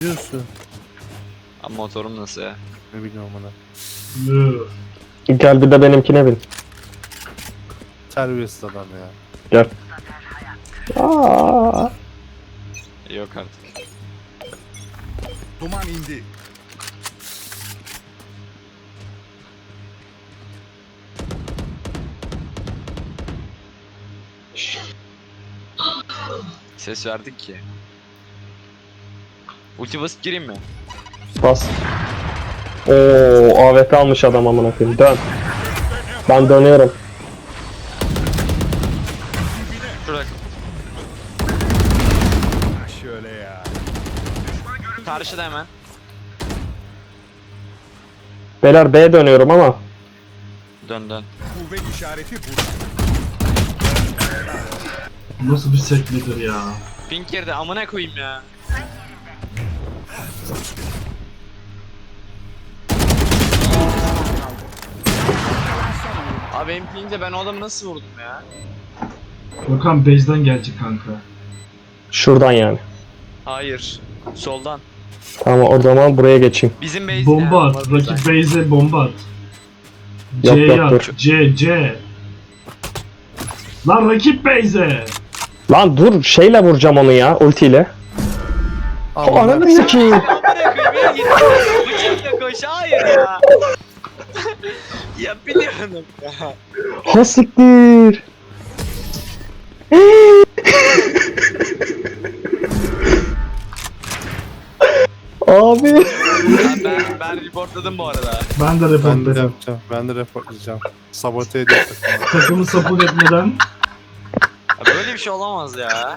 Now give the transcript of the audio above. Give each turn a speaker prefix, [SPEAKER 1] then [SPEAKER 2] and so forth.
[SPEAKER 1] Diyorsun.
[SPEAKER 2] Ama motorum nasıl ya?
[SPEAKER 1] Ne bileyim ona.
[SPEAKER 3] Gel bir de benimkine bin.
[SPEAKER 1] Terbiyesiz adam ya.
[SPEAKER 3] Gel. Aa.
[SPEAKER 2] Yok artık.
[SPEAKER 4] Duman indi.
[SPEAKER 2] Ses verdik ki. Ulti basıp gireyim mi?
[SPEAKER 3] Bas. Oo, AWP almış adam amına koyayım. Dön. Ben dönüyorum.
[SPEAKER 2] Şurada.
[SPEAKER 4] Şöyle ya.
[SPEAKER 2] Karşıda hemen.
[SPEAKER 3] Beyler B'ye dönüyorum ama.
[SPEAKER 2] Dön dön.
[SPEAKER 4] Kuvvet işareti burada.
[SPEAKER 5] Nasıl bir sekmedir ya?
[SPEAKER 2] Pink girdi amına koyayım ya. Abi benim pink'le ben o adamı nasıl vurdum ya?
[SPEAKER 5] Gökhan base'den gelecek kanka.
[SPEAKER 3] Şuradan yani.
[SPEAKER 2] Hayır. Soldan.
[SPEAKER 3] Tamam o zaman buraya geçeyim.
[SPEAKER 2] Bizim base
[SPEAKER 5] Bomba
[SPEAKER 2] ya,
[SPEAKER 5] at.
[SPEAKER 2] var
[SPEAKER 5] Rakip
[SPEAKER 2] güzel.
[SPEAKER 5] base'e bomba at.
[SPEAKER 3] Yok,
[SPEAKER 5] C'ye
[SPEAKER 3] yok,
[SPEAKER 5] at.
[SPEAKER 3] dur.
[SPEAKER 5] C. Lan rakip base'e.
[SPEAKER 3] Lan dur şeyle vuracağım onu ya ultiyle. O ananı sikeyim.
[SPEAKER 2] Amına koyayım ya git. Bıçakla koş hayır ya. Ya biliyorum ya.
[SPEAKER 3] Ha siktir. Abi.
[SPEAKER 2] Ya ben reportladım bu arada.
[SPEAKER 5] Ben de
[SPEAKER 1] Ben de
[SPEAKER 5] reportladım.
[SPEAKER 1] yapacağım. Ben de reportlayacağım. Sabote ediyor takımı.
[SPEAKER 5] Takımı support etmeden.
[SPEAKER 2] Ya böyle bir şey olamaz ya.